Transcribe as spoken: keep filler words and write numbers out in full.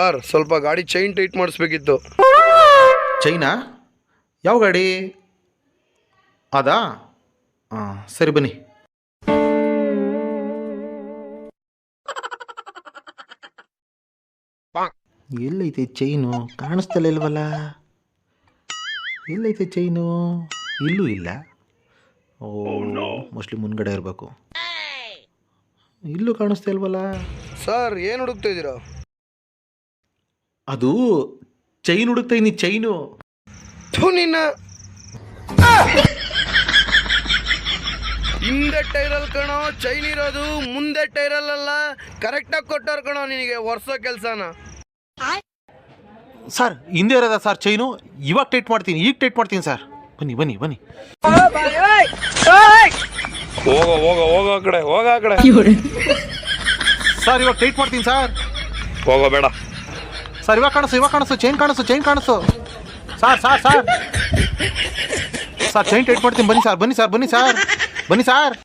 Sir ಸ್ವಲ್ಪ ಗಾಡಿ chain tight ಮಾಡಿಸ್ಬೇಕಿತ್ತು. China? ಯಾವ ಗಾಡಿ? ಅದಾ? ಹಾಂ ಸರಿ ಬನ್ನಿ. ಎಲ್ಲೈತೆ ಚೈನು? ಕಾಣಿಸ್ತಲ್ಲ ಇಲ್ವಲ್ಲ. ಎಲ್ಲೈತೆ ಚೈನು? ಇಲ್ಲೂ ಇಲ್ಲ. ಓ ಮೋಸ್ಟ್ಲಿ ಮುಂದ್ಗಡೆ ಇರಬೇಕು. ಇಲ್ಲೂ ಕಾಣಿಸ್ತಾ ಇಲ್ವಲ್ಲ. ಸರ್ ಏನು ಹುಡುಕ್ತಾ ಇದ್ದೀರಾ? ಅದು ಚೈನ್ ಹುಡುಕ್ತಾ ಇದ್ದೀನಿ, ಚೈನು. ಥು ನಿನ್ನ ಹಿಂದೆ ಟೈರಲ್ಲಿ ಕಣೋ ಚೈನ್ ಇರೋದು, ಮುಂದೆ ಟೈರಲ್ಲ. ಕರೆಕ್ಟಾಗಿ ಕೊಟ್ಟವ್ರು ಕಣೋ ನಿನಗೆ ವರ್ಷೋ ಕೆಲಸನ. ಸರ್ ಹಿಂದೆ ಇರೋದ ಸರ್ ಚೈನು? ಇವಾಗ ಟೈಟ್ ಮಾಡ್ತೀನಿ, ಈಗ ಟೈಟ್ ಮಾಡ್ತೀನಿ ಸರ್. ಬನ್ನಿ ಬನ್ನಿ ಬನ್ನಿ. ಹೋಗ ಹೋಗ ಹೋಗ ಆ ಕಡೆ, ಹೋಗ ಆ ಕಡೆ. ಸರ್ ಇವಾಗ ಟೈಟ್ ಮಾಡ್ತೀನಿ ಸರ್. ಹೋಗೋ ಬೇಡ ಸರ್. ಇವಾಗ ಕಾಣಿಸು, ಇವಾಗ ಕಾಣಿಸು, ಚೈನ್ ಕಾಣಿಸು, ಚೈನ್ ಕಾಣಿಸು. Sir sir sir sir chain tight ಮಾಡ್ತೀನಿ. ಬನ್ನಿ ಸರ್, ಬನ್ನಿ ಸರ್, ಬನ್ನಿ ಸರ್, ಬನ್ನಿ ಸರ್.